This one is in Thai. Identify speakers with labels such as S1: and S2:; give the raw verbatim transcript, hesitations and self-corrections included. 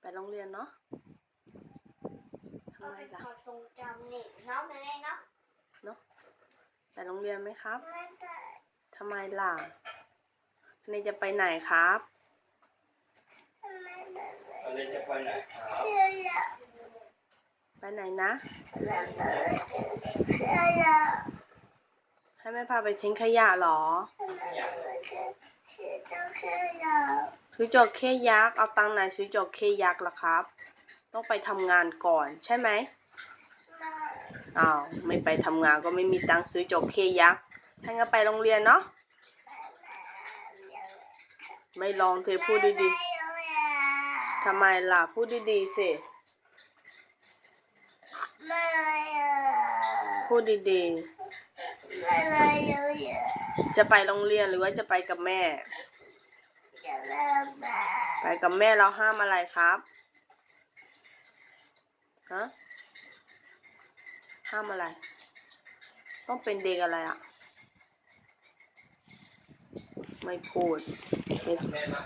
S1: โรงเรียนเนาะทำ
S2: ก็
S1: ไม
S2: เป็น
S1: ล่ะ
S2: ความทรงจำนี่เนาะแม่เนาะ
S1: เนาะไปโรงเรียนไหมครับ
S2: ไม่ไป
S1: ทำไมล่ะนี่จะไปไหนครับ
S2: ไม่ไป
S3: อะไรจะไปไหนครับ
S2: เชื่อละ
S1: ไปไหนนะ
S2: ไม่ไปเชื่อละ
S1: ให้แม่พาไปทิ้งขยะเหรอ
S2: ไม่ไปเชื่อเชื่อต้องเชื่อละ
S1: ซื้อจระเข้ยักษ์เอาตังค์ไหนซื้อจระเข้ยักษ์ล่ะครับ ต้องไปทำงานก่อนใช่ไหม
S2: มา
S1: อ้าวไม่ไปทำงานก็ไม่มีตังค์ซื้อจระเข้ยักษ์ถ้างั้นไปโรงเรียนเนาะไม่ลองเธอพูดดีๆทำไมล่ะพูดดีๆสิ
S2: ไม่เลยอ่ะ
S1: พูดดี
S2: ไม่เลยอ่ะ
S1: ๆจะไปโรงเรียนหรือว่าจะไปกับแม่
S2: จะเริ่มมา
S1: ไปกับแม่เราห้ามอะไรครับฮะห้ามอะไร ต้องเป็นเด็กอะไรอ่ะ ไม่พูดไม่
S3: แม่มา